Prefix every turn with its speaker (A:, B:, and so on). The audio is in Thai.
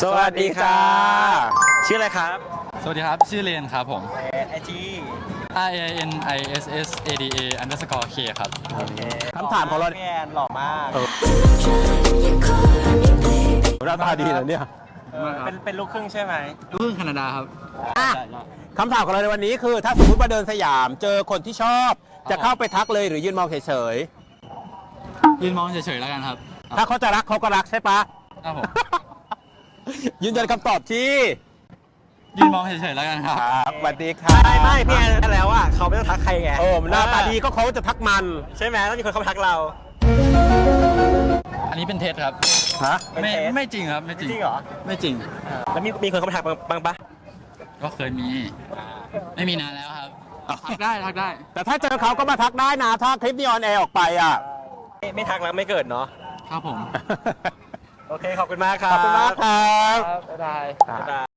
A: สวัสดีค่ะชื่ออะไรครับ
B: สวัสดีครับชื่อเรนครับผม
A: IG
B: RANISSADA_K ครับ
A: คำถามของเราพี่แอนหล่อมากหน้าตาดีนะเนี่ยเป็นลูกครึ่งใช่ไหม
B: ลูกครึ่งแคนาดาครับ
A: คำถามของเราในวันนี้คือถ้าสมมติว่าเดินสยามเจอคนที่ชอบจะเข้าไปทักเลยหรือยืนมองเฉย
B: ยืนมองเฉยๆแล้วกันครับ
A: ๆถ้าเขาจะรักเขาก็รักใช่ปะ
B: ครับผม
A: ยืนยันคำตอบที่
B: ยืนมองเฉยๆแล้วกันครับ
A: สวัสดีค่ะ
C: ไม่พี่แอนแล้วอ่ะเขาไม่ต้องทักใครไง
A: หน้าตาดีก็เขาจะทักมัน
C: ใช่ไหมต้องมีคนเข้ามาทักเรา
B: อันนี้เป็นเท็จครับ
A: ฮะ
B: ไม่จริงครับไม่จริง
C: จริงเหรอ
B: ไม่จริง
C: แล้วมีคนเข้ามาทักบ้างปะ
B: ก็เคยมี ไม่มีนานแล้วครับทักได้ทักได้
A: แต่ถ้าเจอเขาก็มาทักได้นะถ้าคลิปนี้ออนแอร์ออกไปอ่ะ
C: ไม่ทักแล้วไม่เกิดเนาะ
B: ครับผม
C: โอเคขอบคุณมากครับ
A: ขอบคุณมากครับ
B: บ๊ายบาย
C: บ๊ายบาย